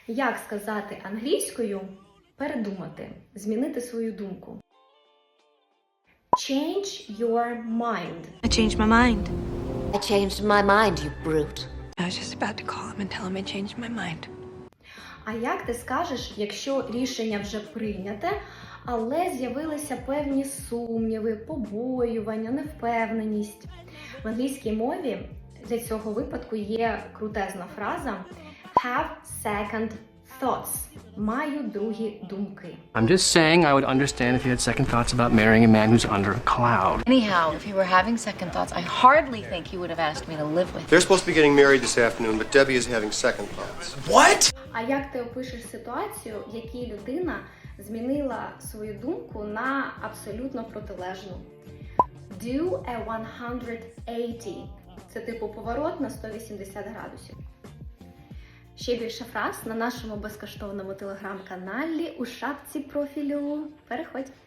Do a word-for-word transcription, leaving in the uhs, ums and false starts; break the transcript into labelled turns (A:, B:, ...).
A: Як сказати англійською передумати, змінити свою думку? Change your mind.
B: I changed my mind.
C: I changed my mind, you brute.
B: I was just about to call him and tell him I changed my mind.
A: А як ти скажеш, якщо рішення вже прийняте, але з'явилися певні сумніви, побоювання, невпевненість? В англійській мові для цього випадку є крутезна фраза have second thoughts. Маю другі думки.
D: I'm just saying I would understand if you had second thoughts about marrying a man who's under a cloud.
C: Anyhow, if you were having second thoughts, I hardly think you would have asked me to live with you.
E: They're supposed to be getting married this afternoon, but Debbie is having second thoughts.
F: What?
A: А як ти опишеш ситуацію, в якій людина змінила свою думку на абсолютно протилежну? Do a one eighty. Це типу поворот на сто вісімдесят градусів. Ще більше фраз на нашому безкоштовному телеграм-каналі у шапці профілю. Переходь!